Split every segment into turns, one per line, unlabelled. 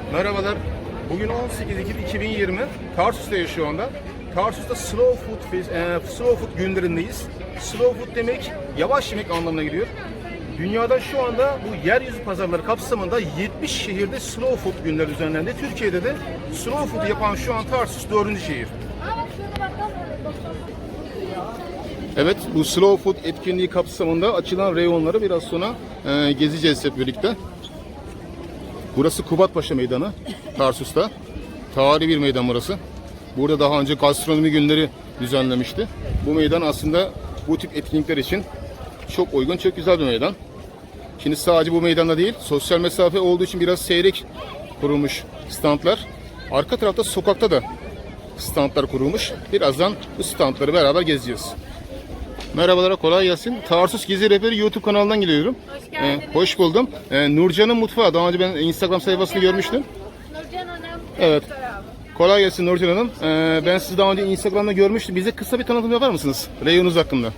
Merhabalar. Bugün 18 Ekim 2020. Tarsus'tayız şu anda. Tarsus'ta Slow Food günlerindeyiz. Slow Food demek yavaş yemek anlamına geliyor. Dünyada şu anda bu yeryüzü pazarları kapsamında 70 şehirde Slow Food günleri düzenlendi. Türkiye'de de Slow Food yapan şu an Tarsus 4. şehir. Evet, bu Slow Food etkinliği kapsamında açılan reyonları biraz sonra gezeceğiz hep birlikte. Burası Kubatpaşa Meydanı, Tarsus'ta. Tarihi bir meydan burası. Burada daha önce gastronomi günleri düzenlemişti. Bu meydan aslında bu tip etkinlikler için çok uygun, çok güzel bir meydan. Şimdi sadece bu meydanda değil, sosyal mesafe olduğu için biraz seyrek kurulmuş standlar. Arka tarafta sokakta da standlar kurulmuş. Birazdan bu standları beraber gezeceğiz. Merhabalar, kolay gelsin. Tarsus Gezi Rehberi YouTube kanalından geliyorum.
Hoş geldiniz.
Hoş buldum. Nurcan'ın mutfağı. Daha önce ben Instagram sayfasını görmüştüm.
Nurcan Hanım.
Evet. Kolay gelsin Nurcan Hanım. Ben sizi daha önce Instagram'da görmüştüm. Bize kısa bir tanıtım yapar mısınız? Reyonunuz hakkında.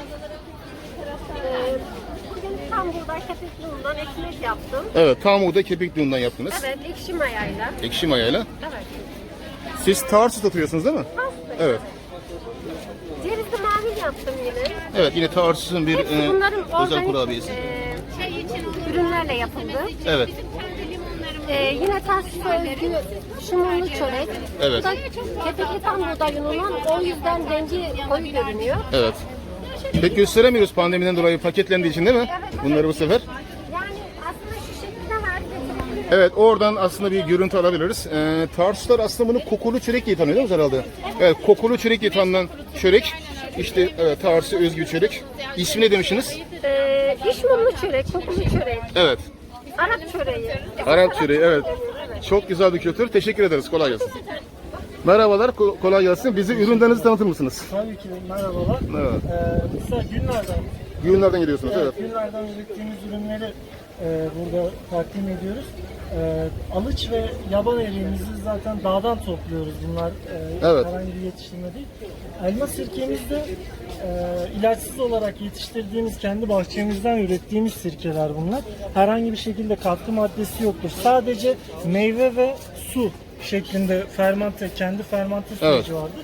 Bugün tam buğday kepekli undan ekmek yaptım.
Evet, tam buğday kepekli undan yaptınız.
Evet, ekşi mayayla.
Ekşi mayayla.
Evet.
Siz Tarsus'ta oturuyorsunuz değil mi?
Pasta.
Evet.
Cevizli mavi yaptım yine.
Evet, yine Tarsus'un bir
Hepsi bunların
özel
organik
kurabiyesi.
ürünlerle yapıldı.
Evet.
Yine Tarsus'a özgü şumunlu çörek.
Evet.
Bu da kepekli tam buğday unundan, o yüzden rengi koyu görünüyor.
Evet. Pek gösteremiyoruz pandemiden dolayı paketlendiği için değil mi? Bunları bu sefer.
Yani aslında şu şekilde var.
Evet, oradan aslında bir görüntü alabiliriz. Tarsuslar aslında bunu kokulu çörek diye tanıyor değil mi herhalde? Evet, kokulu çörek diye tanınan çörek. İşte evet, Tarsus'a özgü çörek. İsmi ne demişsiniz?
İşmumlu çörek, kokulu çörek.
Evet.
Arap çöreği.
Arap çöreği, evet. Çok güzel bir kültür. Teşekkür ederiz. Kolay gelsin. Merhabalar, kolay gelsin. Bizi ürünlerinizi tanıtır mısınız?
Tabii ki merhabalar.
Evet.
Mesela günlerden,
Günlerden geliyorsunuz, evet.
günlerden ürettiğimiz ürünleri burada takdim ediyoruz. Alıç ve yaban eriğimizi zaten dağdan topluyoruz. Bunlar
Evet.
herhangi bir yetiştirme değil. Elma sirkemiz de ilaçsız olarak yetiştirdiğimiz, kendi bahçemizden ürettiğimiz sirkeler bunlar. Herhangi bir şekilde katkı maddesi yoktur. Sadece meyve ve su şeklinde kendi fermante süreci vardır.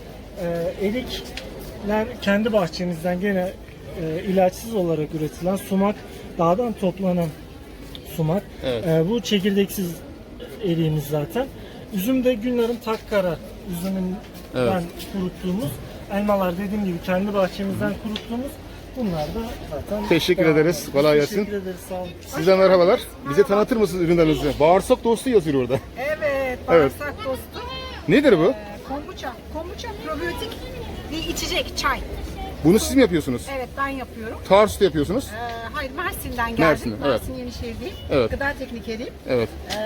Erikler kendi bahçemizden gene ilaçsız olarak üretilen sumak, dağdan toplanan sumak.
Evet.
Bu çekirdeksiz eriğimiz zaten. Üzüm de Günlar'ın Takkara üzümünden kuruttuğumuz, elmalar dediğim gibi kendi bahçemizden kuruttuğumuz, bunlar da zaten
Teşekkür
devam
ederiz.
ediyor.
Kolay gelsin.
Teşekkür ederiz. Sağ olun.
Size merhabalar. Bize tanıtır mısınız ürünlerinizi? Bağırsak dostu yazıyor orada.
Evet, bağırsak dostu.
Nedir bu?
Kombuça. Kombuça probiyotik bir içecek, çay.
Bunu siz mi yapıyorsunuz?
Evet, ben yapıyorum.
Tarsus'ta yapıyorsunuz.
Hayır, Mersin'den geldim.
Mersin'den, evet.
Mersin Yenişehir'deyim.
Evet.
Gıda teknikeriyim.
Evet.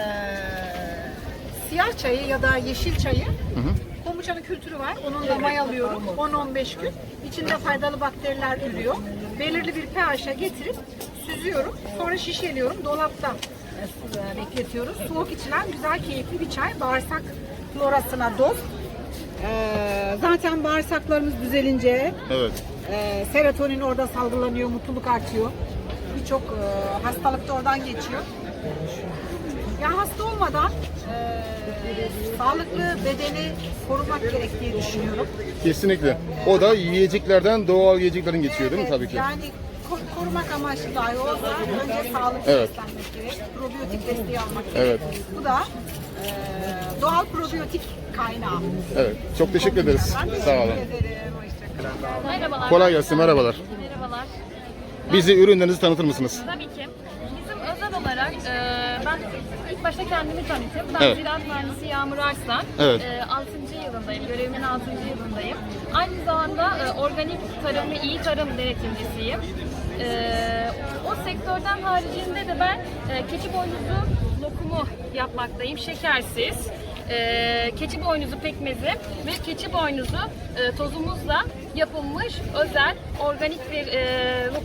Siyah çayı ya da yeşil çayı, kombuçanın kültürü var. Onun da mayalıyorum 10-15 gün. İçinde faydalı bakteriler ürüyor. Belirli bir pH'e getirip süzüyorum. Sonra şişeliyorum. Dolapta bekletiyoruz. Soğuk içilen güzel, keyifli bir çay. Bağırsak florasına dost. Zaten bağırsaklarımız düzelince
Evet.
serotonin orada salgılanıyor, mutluluk artıyor. Birçok hastalık da oradan geçiyor. Ya hasta olmadan sağlıklı bedeni korumak gerektiği düşünüyorum.
Kesinlikle. O da yiyeceklerden, doğal yiyeceklerin geçiyor değil mi?
Evet,
Tabii ki.
Yani korumak amaçlı dahi olsa önce sağlıklı
Evet.
beslenmek gerek. Probiyotik desteği almak gerek.
Evet.
Bu da doğal probiyotik kaynağı.
Evet. Çok teşekkür ederiz.
Ben teşekkür
Sağ olun.
ederim. Hoşçakalın.
Merhabalar.
Kolay gelsin. Merhabalar.
Merhabalar.
Bizi ürünlerinizi tanıtır mısınız?
Tabii ki. Bizim özel olarak ben ilk başta kendimi tanıtayım. Ben
Evet.
Ziraat Mühendisi Yağmur Arslan.
Evet.
6. yılındayım. Görevimin 6. yılındayım. Aynı zamanda organik tarım ve iyi tarım denetimcisiyim. O sektörden haricinde de ben keçi boynuzu lokumu yapmaktayım. Şekersiz. Keçi boynuzu pekmezi ve keçi boynuzu tozumuzla yapılmış özel organik bir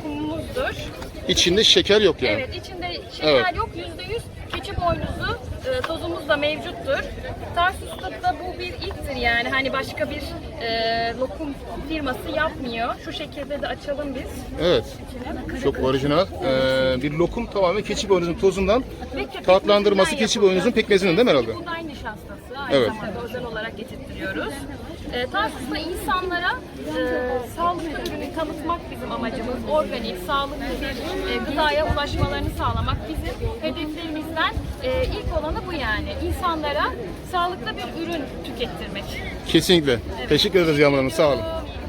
lokumumuzdur.
İçinde şeker yok yani.
Evet, içinde şeker
Evet.
yok. %100 keçi boynuzu tozumuz da mevcuttur. Tarsus'ta da bu bir ilktir yani. Hani başka bir lokum firması yapmıyor. Şu şekilde de açalım biz.
Evet. Çok orijinal. Bir lokum tamamen keçi boynuzun tozundan
Ve
tatlandırması
pekmezinden
keçi boynuzun pekmezinden değil mi herhalde?
Buğday nişastası. Aynı
Evet.
zamanda özel olarak getirtiyoruz. Tarsus'ta insanlara sağlıklı ürünü tanıtmak bizim amacımız. Organik, sağlıklı bir gıdaya ulaşmalarını sağlamak bizim hedeflerimizden ilk olanı bu yani. İnsanlara sağlıklı bir ürün tükettirmek.
Kesinlikle. Teşekkür ederiz Yağmur Hanım. Sağ olun.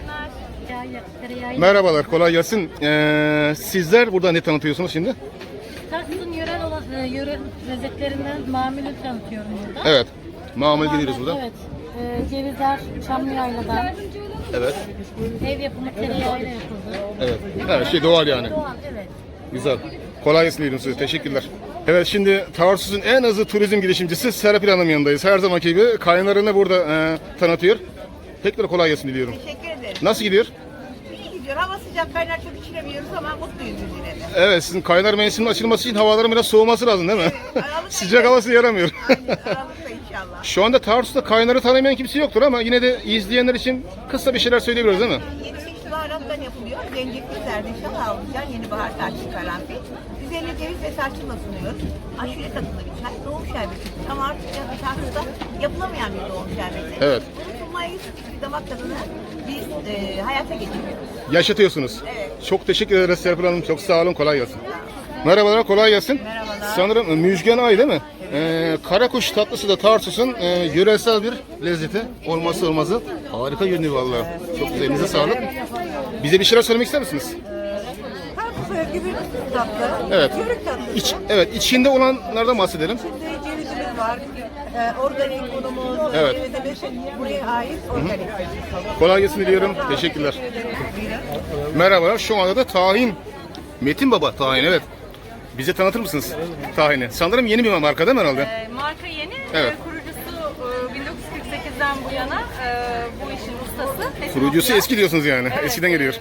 İyi günler.
Merhabalar. Kolay gelsin. Sizler burada ne tanıtıyorsunuz şimdi?
Tarsus'un yöre lezzetlerinden mamulü tanıtıyorum burada.
Evet. Mamul geliyoruz burada.
Evet. Cevizler Çamlıyayla'dan.
Evet.
Ev yapımı tereyağıyla yapıldı.
Evet. Her şey doğal yani.
Doğal, evet.
Güzel. Kolay gelsin diyelim size. Teşekkürler. Evet, şimdi Tarsus'un en hızlı turizm girişimcisi Serapil Hanım yanındayız. Her zamanki gibi kaynarını burada tanıtıyor. Tekrar kolay gelsin diliyorum.
Teşekkür ederim.
Nasıl gidiyor?
İyi gidiyor. Hava sıcak, kaynar çok içiremiyoruz ama mutluyuz biz yine de.
Evet, sizin kaynar mevsiminin açılması için havaların biraz soğuması lazım değil mi?
Aralık'ta
Sıcak havası yaramıyor.
Aynen, Aralık'ta inşallah.
Şu anda Tarsus'ta kaynarı tanımayan kimse yoktur ama yine de izleyenler için kısa bir şeyler söyleyebiliriz değil mi?
Yeni çeşitli baharattan yapılıyor. Zencefil, zerdeçal, avlucan, yeni bahar tarçın, karanfil. Üzerine ceviz ve tarçınla sunuyoruz. Aşure tadında bir çay, doğum şerbeti. Ama artık Tarsus'ta yapılamayan bir doğum şerbeti.
Evet.
Bunu sunmaya yüksek bir damak tadını biz hayata geçiriyoruz.
Yaşatıyorsunuz.
Evet.
Çok teşekkür ederiz Serpil Hanım. Çok sağ olun. Kolay gelsin. Merhabalar. Kolay gelsin.
Merhabalar.
Sanırım Müjgan Ay değil mi? Karakuş tatlısı da Tarsus'un yöresel bir lezzeti. Olmazsa olmazı. Harika görünüyor vallahi. Çok güzel. Elinize sağlık. Bize bir şeyler söylemek ister misiniz?
Tarsus'a özgü bir tatlı.
Evet.
Yörük tatlısı.
Evet. İçinde olanlardan bahsedelim.
İçinde cevizimiz var. Organik unumuz,
Evet.
cevizimiz buraya ait organik.
Kolay gelsin diliyorum. Teşekkürler. Merhabalar. Şu anda da tahin. Metin Baba tahin, evet. Bize tanıtır mısınız tahini? Sanırım yeni bir marka değil mi herhalde?
Marka yeni.
Evet.
Kurucusu 1948'den bu yana bu işin ustası.
Kurucusu eski diyorsunuz yani.
Evet,
Eskiden geliyor.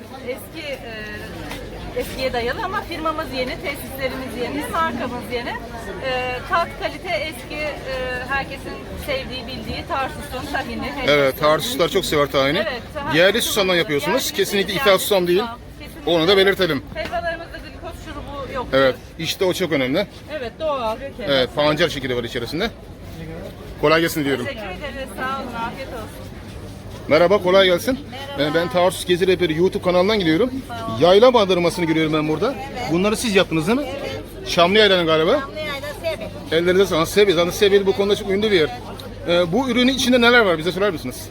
Eskiye dayalı ama firmamız yeni, tesislerimiz yeni, markamız yeni. Tat, kalite eski, herkesin sevdiği, bildiği Tarsus'un tahini.
Evet, Tarsuslar çok sever tahini.
Evet,
Yerli susamdan yapıyorsunuz.
Yerli
Kesinlikle
yerli
ithal susam değil.
Kesinlikle.
Onu da belirtelim.
Helvalarımızda glikoz şurubu yok.
Evet, işte o çok önemli.
Evet, doğal.
Evet, pancar şekeri var içerisinde. Kolay gelsin diyorum.
Teşekkür ederiz, sağ olun, afiyet olsun.
Merhaba, kolay gelsin. Ben Tarsus Gezi Rehberi YouTube kanalından gidiyorum. Yayla bandırmasını görüyorum ben burada. Bunları siz yaptınız değil mi? Çamlıyayla'nın galiba.
Yayla sevi.
Ellerinize sağlık. Seviye. Zaten Seviye bu konuda çok ünlü bir yer. Bu ürünün içinde neler var? Bize söyler misiniz?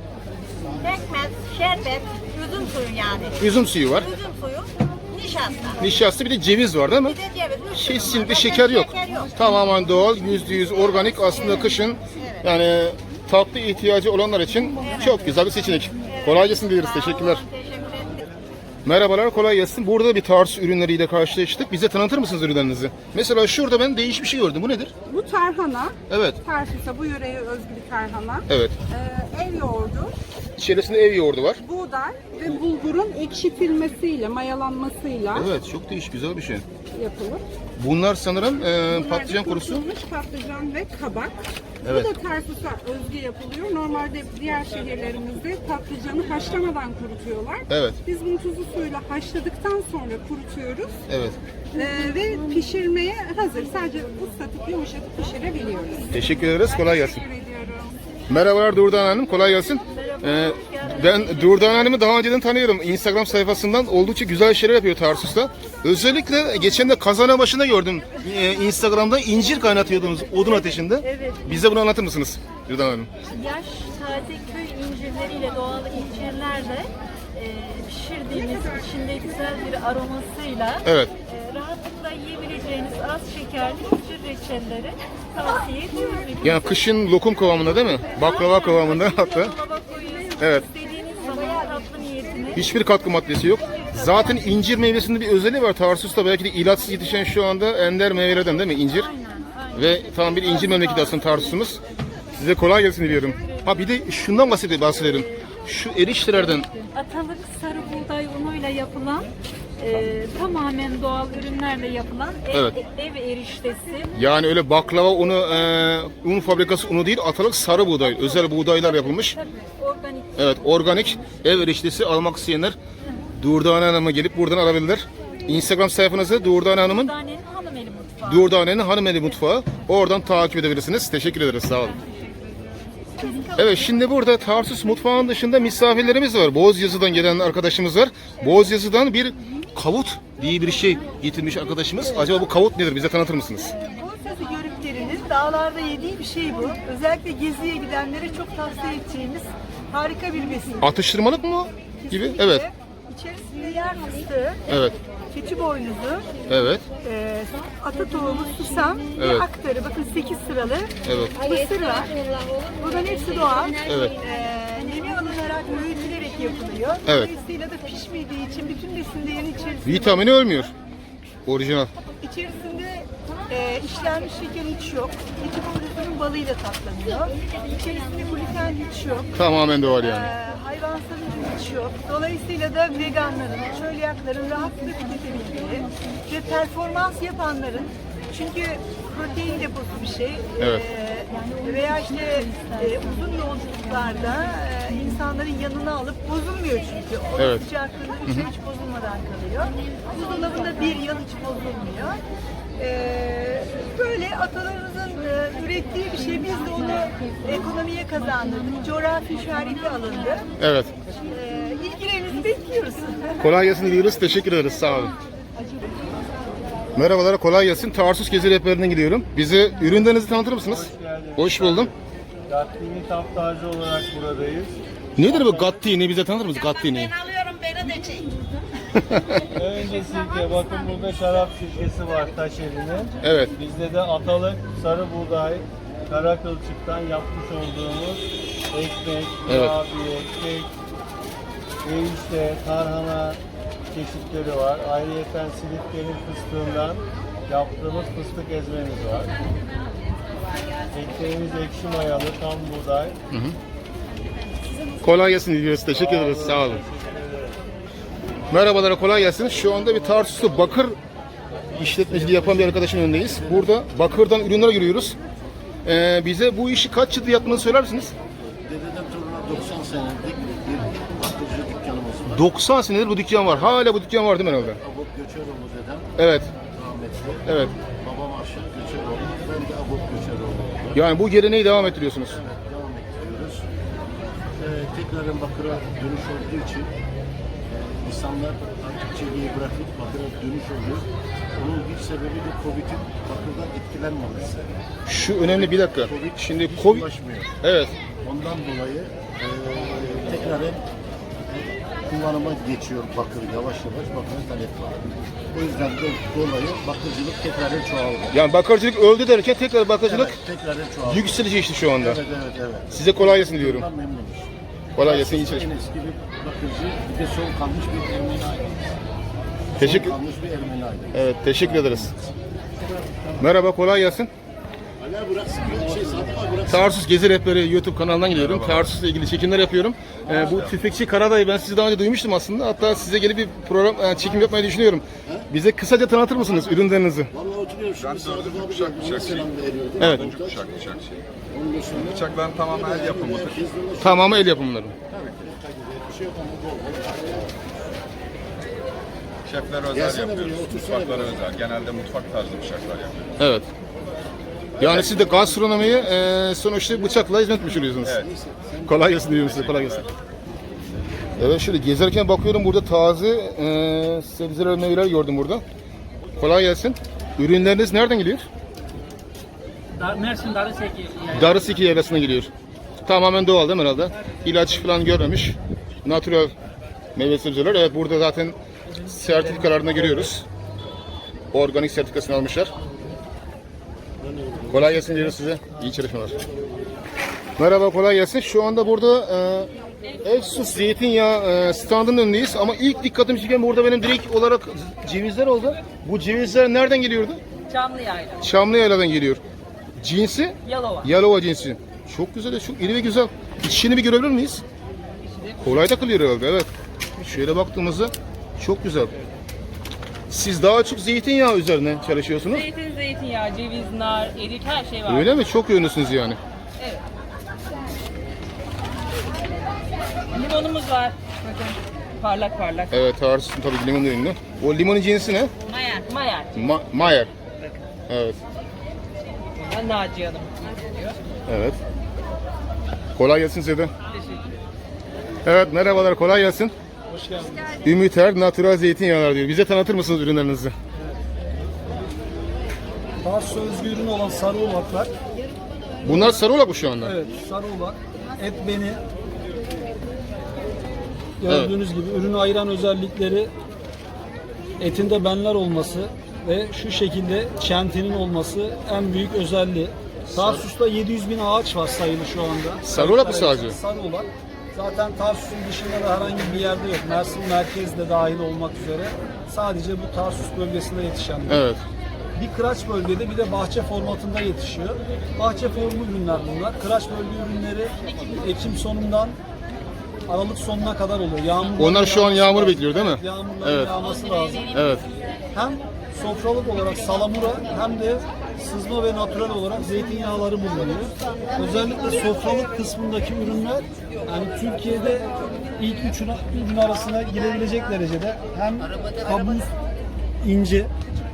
Pekmez, şerbet, üzüm suyu yani.
Üzüm suyu var.
Üzüm suyu, nişasta.
Nişasta, bir de ceviz var değil mi?
Bir de ceviz.
Kesinlikle şeker yok. Tamamen doğal, %100 organik. Aslında kışın yani tatlı ihtiyacı olanlar için çok güzel bir seçenek. Kolay gelsin dileriz. Teşekkürler. Merhabalar, kolay gelsin. Burada bir Tarsus ürünleriyle karşılaştık. Bize tanıtır mısınız ürünlerinizi? Mesela şurada ben değişik bir şey gördüm. Bu nedir?
Bu tarhana,
Evet,
Tarsus'a bu yöreye özgü bir tarhana.
evet.
Ev yoğurdu,
İçerisinde ev yoğurdu var.
buğday ve bulgurun ekşitilmesiyle, mayalanmasıyla
Evet, çok değişik, güzel bir şey.
yapılır.
Bunlar sanırım
Bunlar
patlıcan
da
kurusu.
kurutulmuş patlıcan ve kabak.
Evet.
Bu da Tarsus'a özgü yapılıyor. Normalde diğer şehirlerimizde patlıcanı haşlamadan kurutuyorlar.
Evet.
Biz bunu tuzlu suyla haşladıktan sonra kurutuyoruz.
Evet.
Ve pişirmeye hazır. Sadece ıslatıp yumuşatıp pişirebiliyoruz.
Teşekkür ederiz. Kolay gelsin.
Teşekkür ediyorum.
Merhabalar Durdan Hanım, kolay gelsin. Ben Durdan Hanım'ı daha önceden tanıyorum. Instagram sayfasından oldukça güzel şeyler yapıyor Tarsus'ta. Özellikle geçen de Kazana başında gördüm. Instagram'da incir kaynatıyordunuz odun ateşinde.
Evet.
Bize bunu anlatır mısınız Durdan Hanım?
Yaş taze köy incirleriyle doğal incirlerle pişirdiğimiz içinde güzel bir aromasıyla
Evet.
Rahatlıkla yiyebileceğiniz az şekerli incir reçelleri tavsiye ediyoruz.
Yani kışın lokum kıvamında değil mi? Baklava kıvamında hatta.
Dolaba koyuyorsunuz.
Evet.
İstediğiniz zaman tatlı niyetine.
Hiçbir katkı maddesi yok. Zaten incir meyvesinde bir özelliği var. Tarsus'ta belki de ilaçsız yetişen şu anda ender meyvelerden değil mi incir?
Aynen.
Ve tam bir incir memleketi aslında Tarsus'umuz. Size kolay gelsin diliyorum. Ha bir de şundan bahsedelim. Şu eriştelerden.
Atalık sarı buğday unuyla yapılan Tamamen doğal ürünlerle yapılan
Evet.
ev eriştesi.
Yani öyle baklava unu, un fabrikası unu değil, Atalık sarı buğday, özel buğdaylar yapılmış.
Tabii organik.
Evet, organik ev eriştesi almak isteyenler Durdane Hanım'a gelip buradan alabilirler. Instagram sayfanızı Durdane Hanım'ın
Dane'nin hanım eli mutfağı.
Durdane'nin Hanımeli Mutfağı. Oradan takip edebilirsiniz. Teşekkür ederiz. Sağ olun. Evet, şimdi burada Tarsus mutfağının dışında misafirlerimiz var. Bozyazı'dan gelen arkadaşımız var. Bozyazı'dan bir kavut diye bir şey getirmiş arkadaşımız. Acaba bu kavut nedir? Bize tanıtır mısınız?
Bozyazı yörüklerinin dağlarda yediği bir şey bu. Özellikle geziye gidenlere çok tavsiye edeceğimiz harika bir besin.
Atıştırmalık mı gibi? Evet.
İçerisinde yer fıstığı,
Evet.
keçi boynuzu,
Evet.
ata tohumu, susam
Evet.
ve aktarı. Bakın 8 sıralı.
Evet.
Mısır var. Bunların hepsi doğal.
Evet.
Nemi alınarak öğütülerek yapılıyor.
Evet.
Dolayısıyla da pişmediği için bütün besin değeri içerisinde.
Vitamini ölmüyor. Orijinal.
İçerisinde işlenmiş şeker hiç yok. Keçi boynuzunun balıyla tatlanıyor. İçerisinde gluten hiç yok.
Tamamen doğal yani.
Hayvansal ürün hiç yok. Dolayısıyla da veganların, çölyakların rahatlıkla tüketebildiği ve performans yapanların, çünkü protein deposu bir şey.
Evet.
Veya işte uzun yolculuklarda insanların yanına alıp bozulmuyor çünkü. O
Evet.
sıcaklığında 3 ay hiç bozulmadan kalıyor. Buzdolabında 1 yıl hiç bozulmuyor. Böyle atalarımızın ürettiği bir şey. Biz de onu ekonomiye kazandırdık. Coğrafi işareti alındı.
Evet.
İlgilerinizi bekliyoruz.
Kolay gelsin diyoruz. Teşekkür ederiz. Sağ olun. Merhabalar, kolay gelsin. Tarsus Gezi Rehberi'nden gidiyorum. Bize ürünlerinizi tanıtır mısınız? Hoş buldum.
Gattini Taptacı olarak buradayız.
Nedir bu Gattini? Bize tanıtır mısınız Gattini?
Önce sirke, bakın burada şarap sirkesi var Taşeli'nin.
Evet.
Bizde de atalık, sarı buğday, kara kılçıktan yapmış olduğumuz ekmek,
Evet.
kurabiye, kek, erişte, tarhana çeşitleri var. Ayrıyeten Silifke'nin fıstığından yaptığımız fıstık ezmemiz var. Ekmeğimiz ekşi mayalı, tam buğday.
Kolay gelsin diyoruz. Teşekkür ederiz. Sağ olun. Merhabalar, kolay gelsin. Şu anda bir Tarsus'ta bakır işletmeciliği yapan bir arkadaşın önündeyiz. Burada bakırdan ürünler görüyoruz. Bize bu işi kaç yıldır yaptığını söyler misiniz?
Dededen toruna 90 senelik bir bakırcı dükkanımız var.
90 senedir bu dükkan var. Hala bu dükkan var değil mi herhalde?
Abop Göçeroğlu dedem
Evet.
rahmetli.
Evet.
Babam Aşık Göçeroğlu. Ben de Abop Göçeroğlu.
Yani bu geleneği devam ettiriyorsunuz.
Devam ettiriyoruz. Tekrarın bakıra dönüş olduğu için insanlar artık çeliği bırakıp bakıra dönüş oluyor. Onun bir sebebi de Covid'in bakırdan etkilenmemesi.
Şu önemli, bir dakika. Şimdi
hiç
Covid...
bulaşmıyor.
Evet.
Ondan dolayı tekrarın kullanıma geçiyor bakır, yavaş yavaş bakır talep var. O yüzden de dolayı bakırcılık tekrarın çoğaldı.
Yani bakırcılık öldü derken tekrar bakırcılık
Evet, tekrarın çoğaldı.
yükselişi işte şu anda.
Evet.
Size kolay gelsin diyorum.
Bundan memnunuz.
Kolay gelsin, iyi
En
çalışmalar.
eski bir bakırcı, bir de son kalmış bir Ermeni ailesi.
Teşekkür,
Son kalmış bir Ermeni ailesi.
evet, teşekkür ederiz. Merhaba, kolay gelsin.
Hala bıraksın, bir şey satma bıraksın.
Tarsus Gezi Rehberi YouTube kanalından gidiyorum. Tarsus'la ilgili çekimler yapıyorum. Bu Tüfekçi Karadayı ben sizi daha önce duymuştum aslında. Hatta size gelip bir program çekim yapmayı düşünüyorum. Bize kısaca tanıtır mısınız ürünlerinizi?
Vallahi oturuyorum şimdi Sadık abi de selam veriyordu.
Evet.
Bıçak şey.
Ondan sonra
Bıçakların tamamen el yapımıdır.
Tamamı el yapımları.
bir şey yok ama bol bol.
Şefler özel
Gelsene
yapıyoruz.
buraya, otursana
Mutfaklara
biraz.
özel. Genelde mutfak tarzı bıçaklar yapıyoruz.
Evet. Yani siz de gastronomiye sonuçta bıçakla hizmet etmiş oluyorsunuz.
Evet.
Kolay gelsin diyorum size, kolay gelsin. Evet, şöyle gezerken bakıyorum, burada taze sebzeler, meyveler gördüm burada. Kolay gelsin. Ürünleriniz nereden geliyor?
Mersin Darıseki.
Darıseki yaylasına geliyor. Tamamen doğal değil mi herhalde? İlaç falan görmemiş. Natural meyve sebzeler. Evet, burada zaten sertifikalarını görüyoruz. Organik sertifikasını almışlar. Kolay gelsin diyoruz size. İyi çalışmalar. Merhaba, kolay gelsin. Şu anda burada Efsus zeytinyağı standının önündeyiz. Ama ilk dikkatimi çeken burada benim direkt olarak cevizler oldu. Bu cevizler nereden geliyordu?
Çamlıyayla.
Çamlıyayladan geliyor. Cinsi?
Yalova.
Yalova cinsi. Çok güzel, çok iri ve güzel. İçini bir görebilir miyiz? Kolay takılıyor herhalde, evet. Şöyle baktığımızda çok güzel. Siz daha çok zeytinyağı üzerine çalışıyorsunuz.
Zeytin, zeytinyağı, ceviz, nar, erik her şey var.
Öyle mi? Çok ünlüsünüz yani.
Evet. Limonumuz var. Bakın parlak parlak.
Evet, Tarsus'un tabii limonu ünlü. O limonun cinsi ne?
Mayer. Mayer.
Mayer. Evet.
Ben Naciye Hanım.
Evet. Kolay gelsin size de.
Teşekkür.
Evet, merhabalar, kolay gelsin.
Hoş geldiniz.
Ümiter Natural Zeytinyağlar diyor. Bize tanıtır mısınız ürünlerinizi?
Tarsus özgü ürün olan sarı ulaklar.
Bunlar sarı olak mı şu anda?
Evet, sarı ulak. Et beni. Gördüğünüz gibi ürünü ayıran özellikleri etinde benler olması ve şu şekilde çentinin olması en büyük özelliği. Tarsus'ta 700 bin ağaç var sayılı şu anda.
Sarı ulak mı sadece?
Sarı ulak. Zaten Tarsus'un dışında da herhangi bir yerde yok. Mersin merkezde dahil olmak üzere sadece bu Tarsus bölgesinde yetişen.
Evet.
Bir kıraç bölgede bir de bahçe formatında yetişiyor. Bahçe formu ürünler bunlar. Kıraç bölge ürünleri Ekim sonundan Aralık sonuna kadar oluyor.
Onlar şu an yağmur bekliyor değil mi?
Yağmurların yağması lazım.
Evet.
Hem sofralık olarak salamura hem de sızma ve natürel olarak zeytinyağları bulunuyor. Özellikle sofralık kısmındaki ürünler yani Türkiye'de ilk üç ürün arasına girebilecek derecede hem kabuğu ince,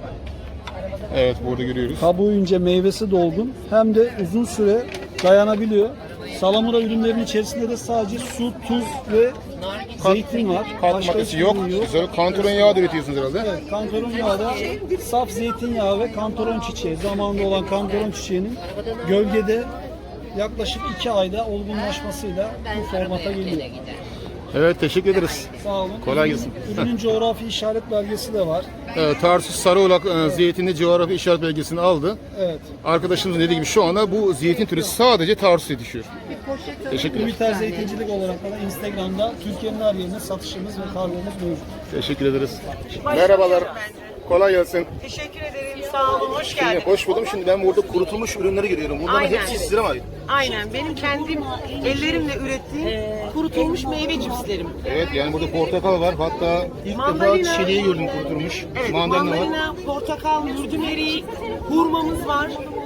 Evet, burada görüyoruz.
kabuğu ince, meyvesi dolgun hem de uzun süre dayanabiliyor. Salamura ürünlerinin içerisinde de sadece su, tuz ve zeytin var.
Katkı
Başka
maddesi
hiçbir
yok.
ürün yok.
Siz kantaron yağı da üretiyorsunuz herhalde.
Evet, kantaron yağı da saf zeytinyağı ve kantaron çiçeği. Zamanında olan kantaron çiçeğinin gölgede yaklaşık 2 ayda olgunlaşmasıyla bu formata geliyor.
Evet, teşekkür ederiz.
Sağ olun.
Kolay gelsin.
Ürünün coğrafi işaret belgesi de var.
Evet, Tarsus Sarıolak zeytinli coğrafi işaret belgesini aldı.
Evet.
Arkadaşımız dediği gibi şu anda bu zeytin türü sadece Tarsus'a yetişiyor. Teşekkür ederim.
Ümiter Zeytincilik olarak da Instagram'da Türkiye'nin her yerine satışımız ve kargomuz mevcut.
Teşekkür ederiz. Merhabalar. Kolay gelsin.
Teşekkür ederim. Sağ olun. Hoş
Şimdi
geldiniz.
hoş buldum. Şimdi ben burada kurutulmuş ürünleri görüyorum. Bunların
Aynen.
hepsi size mi ait?
Aynen. Benim kendim ellerimle ürettiğim kurutulmuş meyve cipslerim.
Evet, yani burada portakal var. Hatta ilk
Mandalina.
defa çileği gördüm kurutulmuş.
Evet,
Mandalina var.
mandalina, portakal, mürdüm eriği, hurmamız var,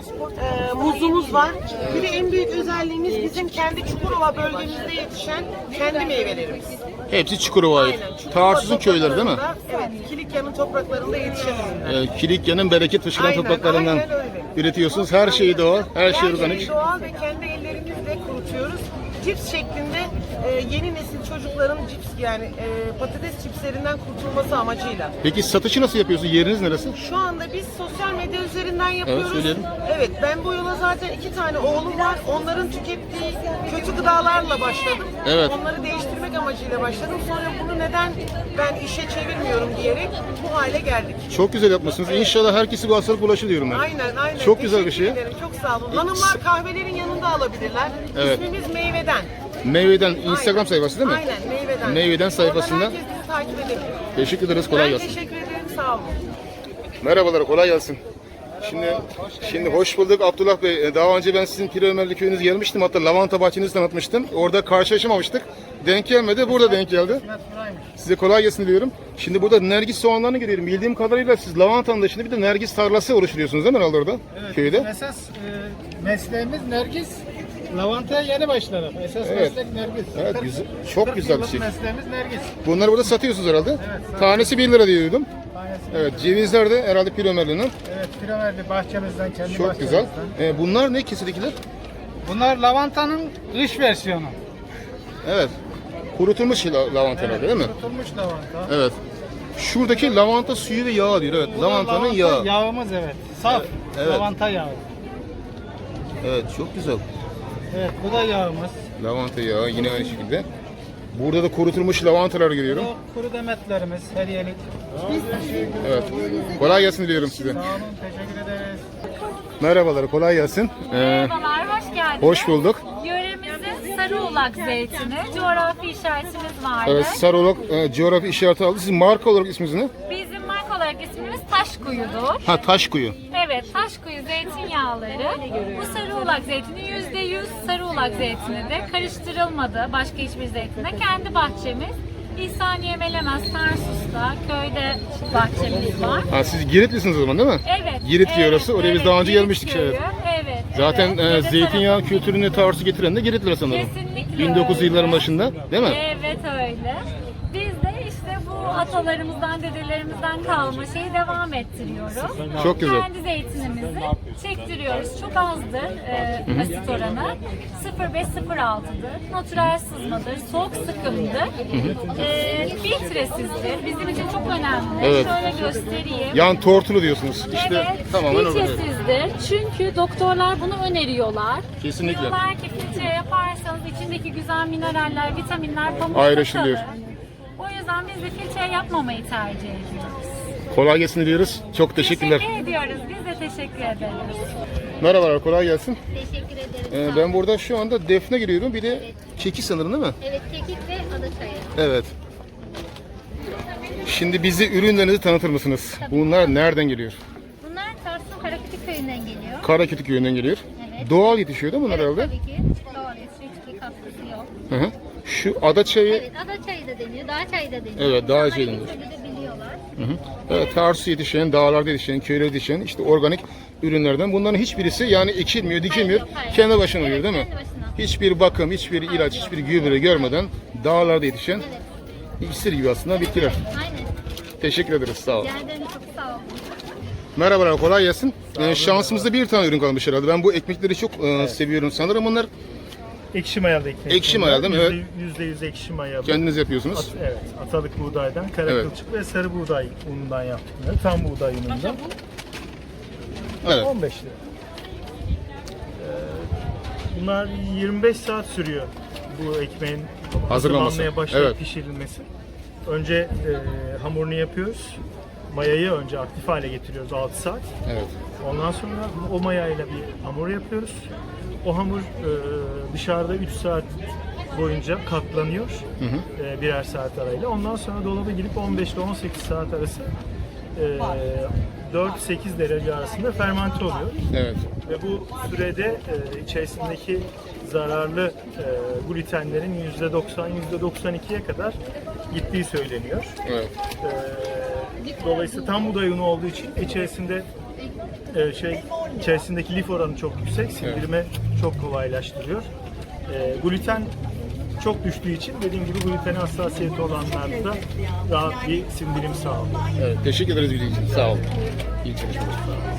muzumuz var. Bir de en büyük özelliğimiz bizim kendi Çukurova bölgemizde yetişen kendi meyvelerimiz.
Hepsi Çukurova ait.
Aynen. Çukurova
Tarsus'un köyleri değil mi?
topraklarında, Evet, Kilikya'nın topraklarında yetişen ürünler.
Kilikya'nın bereket fışkıran
Aynen,
topraklarından
aynen öyle.
üretiyorsunuz. Her şeyi doğal, her şey organik.
Her doğal ve kendi ellerimizle kurutuyoruz. Cips şeklinde yeni nesil çocukların cips yani patates cipslerinden kurtulması amacıyla.
Peki satışı nasıl yapıyorsun? Yeriniz neresi?
Şu anda biz sosyal medya üzerinden yapıyoruz.
söyleyelim.
Evet, ben bu yola zaten 2 tane oğlum var. Onların tükettiği kötü gıdalarla başladım.
Evet.
Onları değiştirmek amacıyla başladım. Sonra bunu neden ben işe çevirmiyorum diyerek bu hale geldik.
Çok güzel yapmışsınız. İnşallah herkesi bu hastalık bulaşır diyorum ben.
Aynen.
Çok güzel bir şey.
Teşekkür ederim, çok sağ olun. Hanımlar kahvelerin yanında alabilirler.
Evet.
İsmimiz Meyveden.
Meyveden Instagram sayfası değil mi?
Aynen, Meyveden.
Meyveden sayfasında.
Oradan herkes bizi takip edebilir.
Teşekkür ederiz. Kolay
Ben
gelsin.
teşekkür ederim, sağ olun.
Merhabalar, kolay gelsin. Şimdi hoş bulduk Abdullah Bey. Daha önce ben sizin Pir Ömerli köyünüze gelmiştim. Hatta lavanta bahçenizi tanıtmıştım. Orada karşılaşamamıştık. Denk gelmedi. Burada denk geldi. Size kolay gelsin diyorum. Şimdi burada nergis soğanlarını görüyorum. Bildiğim kadarıyla siz lavantanın dışında bir de nergis tarlası oluşturuyorsunuz değil mi herhalde orada?
Evet,
Köyde.
esas mesleğimiz nergis. Lavantaya yeni başladık. Esas
Evet.
meslek nergis.
Evet, güzel. Çok güzel bir şey.
Mesleğimiz nergis.
Bunları burada satıyorsunuz herhalde. Tanesi 1 lira diyordum. Evet, cevizler de herhalde Pir Ömerli'nin.
Evet, Piraverdi bahçemizden, kendi
Çok güzel. Bunlar ne kesinlikle?
Bunlar lavantanın kış versiyonu.
Evet. Kurutulmuş lavantalar değil mi?
Kurutulmuş lavanta.
Evet. Şuradaki lavanta suyu ve yağı diyor. Evet, lavantanın yağı.
Yağımız evet. Saf
Evet.
lavanta yağı.
Evet, çok güzel.
Evet, bu da yağımız.
Lavanta yağı yine aynı şekilde. Burada da kurutulmuş lavantalar görüyorum.
Bu kuru demetlerimiz, hediyelik.
Evet. Kolay gelsin diliyorum size.
Sağ olun, teşekkür ederiz.
Merhabalar, kolay gelsin.
Merhabalar, hoş geldiniz.
Hoş bulduk.
Yöremizin Sarıolak zeytini, coğrafi işaretimiz vardı.
Evet, Sarıolak coğrafi işareti aldı. Sizin marka olarak isminiz ne?
Bizim marka olarak ismimiz Taşkuyu'dur.
Ha, Taşkuyu.
Evet, Taşkuyu zeytinyağları. Bu Sarıolak zeytini %100 Sarıolak zeytini de karıştırılmadı başka hiçbir zeytinle. Kendi bahçemiz İhsaniye Melemez, Tarsus'ta, köyde bahçemiz var.
Ha, siz Giritlisiniz o zaman değil mi?
Evet.
Girit diyor orası. Oraya biz daha önce
Girit
gelmiştik.
köyü,
Evet.
Evet.
Zaten
evet. Dede
zeytinyağı
tarafı-
kültürünü Tarsus'a getiren de Giritliler sanırım.
Kesinlikle
1900
öyle.
yılların başında değil mi?
Evet öyle. Biz de işte bu atalarımızdan, dedelerimizden kalma şeyi devam ettiriyoruz.
Çok güzel.
Kendi zeytinimizi çektiriyoruz. Çok azdır asit oranı. 0,5-0,6'dır. Natural sızmadır. Soğuk sıkımdır. Filtresizdir. Bizim için çok önemli.
Evet.
Şöyle göstereyim.
Yani tortulu diyorsunuz. İşte
Evet,
tamamen öyle.
filtresizdir. Çünkü doktorlar bunu öneriyorlar.
Kesinlikle.
Diyorlar ki filtre yaparsanız içindeki güzel mineraller, vitaminler pamukta
Ayrışılıyor.
kalır. O yüzden biz de filtre yapmamayı tercih ediyoruz.
Kolay gelsin diyoruz. Çok teşekkürler.
Teşekkür ediyoruz. Biz de teşekkür ederiz.
Merhabalar, kolay gelsin.
Teşekkür ederim.
Ben burada şu anda defne giriyorum. Bir de kekik sanırım değil mi?
Evet, kekik ve adaçayı.
Evet. Şimdi bizi ürünlerinizi tanıtır mısınız? Bunlar nereden geliyor?
Bunlar Tarsus'un Karakütük köyünden geliyor.
Karakütük köyünden geliyor.
Evet.
Doğal yetişiyor değil mi bunlar
Evet,
herhalde?
tabii ki. Doğal yetişiyor, hiçbir katkısı yok.
Hı hı. Şu adaçayı,
Evet, adaçayı da deniyor, dağ çayı da deniyor.
Evet, dağ çayı
İnsanlar
deniyor.
ikisini de biliyorlar.
hı hı. Evet, Tarsus'ta yetişen, dağlarda yetişen, köylerde yetişen işte organik ürünlerden. Bunların hiçbirisi yani ekilmiyor, dikilmiyor.
Hayır, yok, hayır.
Kendi başına
Evet,
oluyor değil mi?
kendi başına.
Hiçbir bakım, hiçbir ilaç, hiçbir gübre görmeden dağlarda yetişen iksir gibi aslında bitkiler.
Aynen.
Teşekkür ederiz, sağ olun.
Rica ederim, çok sağ olun.
Merhabalar, kolay gelsin. Şansımızda bir tane ürün kalmış herhalde. Ben bu ekmekleri çok seviyorum. Sanırım bunlar
Ekşi mayalı ekmek.
Ekşi mayalı değil mi? Evet.
%100 ekşi mayalı.
kendiniz yapıyorsunuz.
Evet, atalık buğdaydan, kara
Evet.
kılçık ve sarı buğday unundan yaptık bunları. Tam buğday unundan.
Evet.
15 lira. Bunlar 25 saat sürüyor bu ekmeğin
Hazırlanması.
hazırlanmaya başlayıp
Evet.
pişirilmesi. Önce hamurunu yapıyoruz. Mayayı önce aktif hale getiriyoruz 6 saat.
Evet.
Ondan sonra o mayayla bir hamur yapıyoruz. O hamur dışarıda 3 saat boyunca katlanıyor. Birer saat arayla. Ondan sonra dolaba girip 15 ile 18 saat arası 4-8 derece arasında fermente oluyor.
Evet.
Ve bu sürede içerisindeki zararlı glutenlerin %90, %92'ye kadar gittiği söyleniyor.
Evet.
Dolayısıyla tam buğday unu olduğu için içerisinde içerisindeki lif oranı çok yüksek, sindirimi çok kolaylaştırıyor. Gluten çok düştüğü için dediğim gibi glutene hassasiyeti olanlarda rahat bir sindirim sağlıyor.
Evet, teşekkür ederiz bildiğiniz için. Sağ olun. İyi çalışmalar.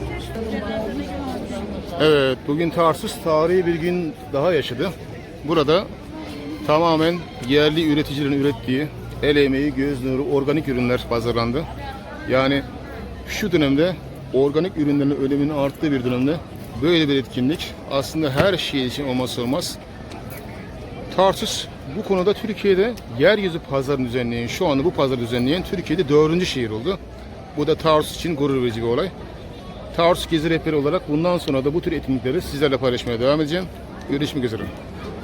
Evet, bugün Tarsus tarihi bir gün daha yaşadı. Burada tamamen yerli üreticilerin ürettiği el emeği, göz nuru, organik ürünler pazarlandı. Yani şu dönemde organik ürünlerin öneminin arttığı bir dönemde böyle bir etkinlik aslında her şey için olmazsa olmaz. Tarsus bu konuda Türkiye'de yeryüzü pazarını düzenleyen, şu anda bu pazarı düzenleyen Türkiye'de 4. şehir oldu. Bu da Tarsus için gurur verici bir olay. Tarsus Gezi Rehberi olarak bundan sonra da bu tür etkinlikleri sizlerle paylaşmaya devam edeceğim. Görüşmek üzere.